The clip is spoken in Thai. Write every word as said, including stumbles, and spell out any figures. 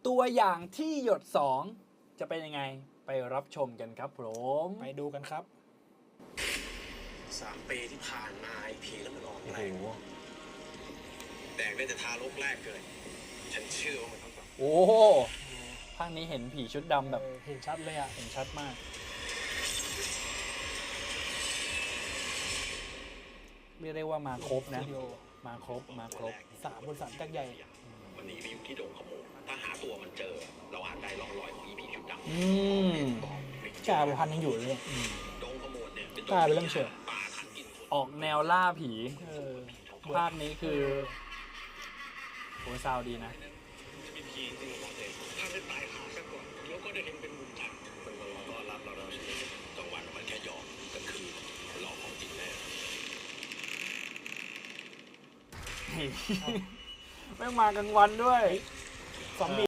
ตัวอย่างที่หยดสองจะเป็นยังไงไปรับชมกันครับผมไปดูกันครับสามปีที่ผ่านมาไอพีแล้วมันออกโอ้แรโหงแดกได้แต่ทารกแรกเกิดฉันเชื่อว่ามันต้องแบบโอ้ภาคนี้เห็นผีชุดดำแบบเออเห็นชัดเลยอ่ะเห็นชัดมากเรียกได้ว่ามาครบนะสตูดิโอมาครบมาครบสามบริษัทยักษ์ใหญ่มันหนีไปอยู่ที่โดงขโมยถ้าหาตัวมันเจอ เราอาจได้ร่องรอยของอีพีชุดดำอืมกาไปพันยังอยู่เลยโดงขโมยเนี่ยเป็นกลายเป็นเรื่องเชื่อป่าทันกินคนออกแนวล่าผีเออภาคนี้คือโหซาวดีนะจะมีพีจริงหรอเด็กถ้าได้ตายหาซะก่อนแล้วก็ได้เห็นเป็นบุญจันทร์มันมารอต้อนรับเราเราใช่ไหมกลางวันมันแค่หยอกกลางคืนหลอกของจริงแน่ไม่งมากลางวันด้วยซอมบี้